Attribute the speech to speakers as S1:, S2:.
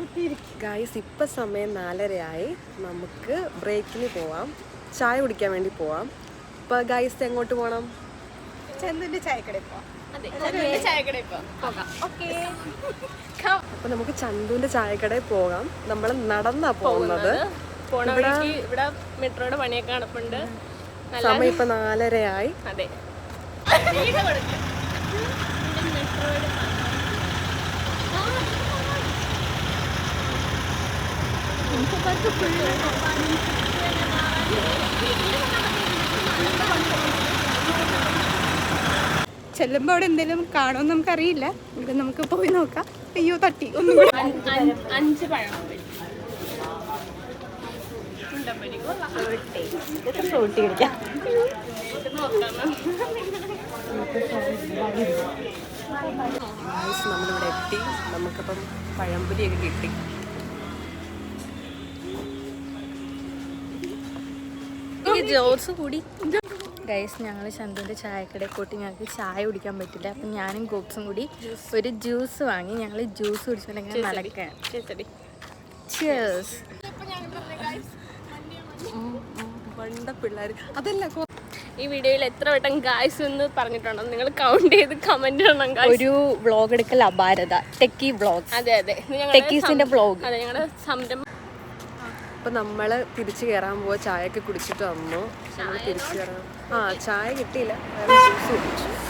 S1: Guys ഇപ്പം സമയം 4:30 നമുക്ക് ബ്രേക്കിന് പോവാം, ചായ കുടിക്കാൻ വേണ്ടി പോവാം. ഇപ്പം ഗൈസ് എങ്ങോട്ട് പോകണം?
S2: ചന്തുവിന്റെ ചായക്കടയിൽ പോവാം.
S1: അപ്പം നമുക്ക് ചന്തുവിൻ്റെ ചായക്കടയിൽ പോകാം. നമ്മൾ നടന്നാ പോകുന്നത്.
S3: ഇവിടെ മെട്രോയുടെ പണിയൊക്കെ നടപ്പുണ്ട്.
S1: സമയം ഇപ്പം 4:30.
S3: അതെ,
S2: ചെല്ലുമ്പോ അവിടെ എന്തെങ്കിലും കാണുമെന്ന് നമുക്കറിയില്ല. ഇവിടെ നമുക്ക് പോയി നോക്കാം. അയ്യോ തട്ടി ഒന്നും കൂടി.
S3: 5 പഴം
S1: നമ്മളിവിടെ എത്തി. നമുക്കിപ്പം പഴംപൊരിയൊക്കെ കിട്ടി. ജോസ് കൂടി
S4: ഗൈസ്, ഞങ്ങൾ ചന്തുവിൻ്റെ ചായക്കടയിൽ പോയിട്ട് ഞങ്ങൾക്ക് ചായ കുടിക്കാൻ പറ്റില്ല. അപ്പം ഞാനും ഗോപ്സും കൂടി ഒരു ജ്യൂസ് വാങ്ങി. ഞങ്ങൾ ജ്യൂസ് കുടിച്ചിട്ടുണ്ടെങ്കിൽ നടക്കാൻ.
S1: പണ്ട പിള്ളേർ അതല്ല.
S3: ഈ വീഡിയോയിൽ എത്ര വട്ടം ഗായ്സ് എന്ന് പറഞ്ഞിട്ടുണ്ടോ നിങ്ങൾ കൗണ്ട് ചെയ്ത് കമന്റ് ഇടണം.
S4: ഒരു വ്ളോഗ് എടുക്കൽ അപാരത, ടെക്കി വ്ളോഗ്.
S3: അതെ അതെ,
S4: ടെക്കീസിന്റെ വ്ളോഗ്.
S3: അതെ, ഞങ്ങളുടെ സംരംഭം.
S1: അപ്പം നമ്മൾ തിരിച്ചു കയറാൻ പോവാ. ചായയൊക്കെ കുടിച്ചിട്ട് വന്നു. തിരിച്ചു കയറാം. ചായ കിട്ടിയില്ല, ജ്യൂസ് കുടിച്ചു.